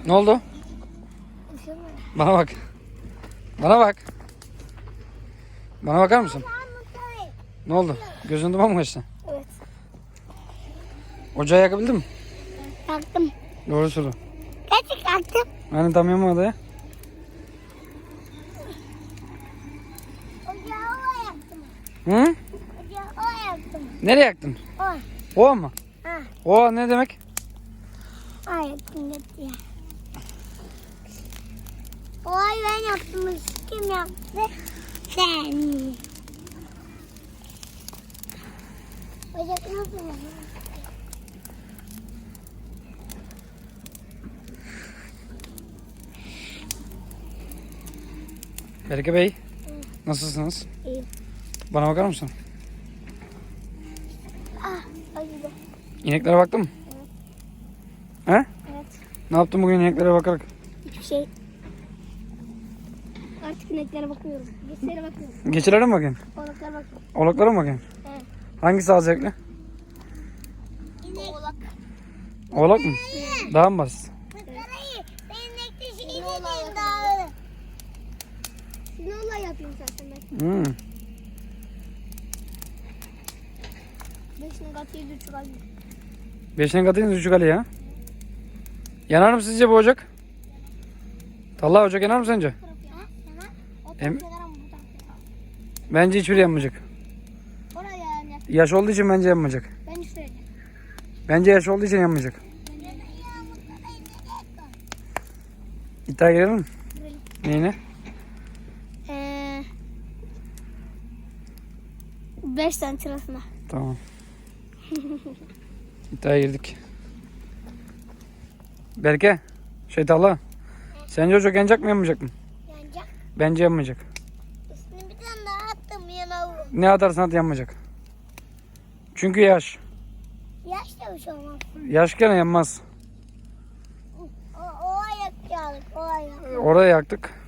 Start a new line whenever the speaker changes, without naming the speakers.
Ne oldu? Bana bak. Bana bak. Bana bakar mısın? Ne oldu? Gözün duman mı kaçtı?
Evet.
Ocağı yakabildin mi?
Yaktım.
Doğru söyle.
Gerçek yaktım.
Hani tam yanmadı ya.
Ocağı o yaktım.
Hı?
Ocağı o yaktım.
Nereye yaktın?
O.
O mu?
Ha.
O ne demek?
O yaktım gitti ya. O ay ben yaptım. Kim yaptı? Sen. Ocak nasıl yaptı?
Berke Bey. Nasılsınız?
İyi.
Bana bakar mısın?
Ah, acıdı.
İneklere baktın mı? He?
Evet.
Ne yaptın bugün ineklere bakarak?
Hiçbir şey. Artık ineklere bakıyorum. Geçlere bakıyorum.
Geçilere mi bakıyorsun?
Oğlaklara bakıyorum.
Oğlaklara mı bakıyorsun?
Evet.
Hangisi daha zevkli?
İnek. Oğlak.
Oğlak mı? Daha mı basit?
Ben inekte şey dedim daha. Sinola yapayım zaten ben.
Hmm.
5'ine katı 7,5 alayım.
5'ine katıyınız 3'ü Ali ya. Yanar mı sizce bu ocak? Talha ocak yanar mı sence?
O
Em-
tarafta yaran bu tarafta.
Bence hiçbiri yanmayacak.
Oraya yani.
Yaş olduğu için bence yanmayacak.
Ben şöyle.
Bence yaş olduğu için yanmayacak. İddiaya girelim mi? Neyine?
5 tane sırasına.
Tamam. İddiaya girdik. Berke. Talha. Sence ocak yanacak mı yanmayacak mı?
Yanacak.
Bence yanmayacak.
Üstüne bir tane daha attım yana.
Ne atarsan at yanmayacak. Çünkü yaş.
Yaş da bir şey olmaz.
Yaş gene yanmaz.
O ayak yağlık. O ayak.
Oraya yaktık.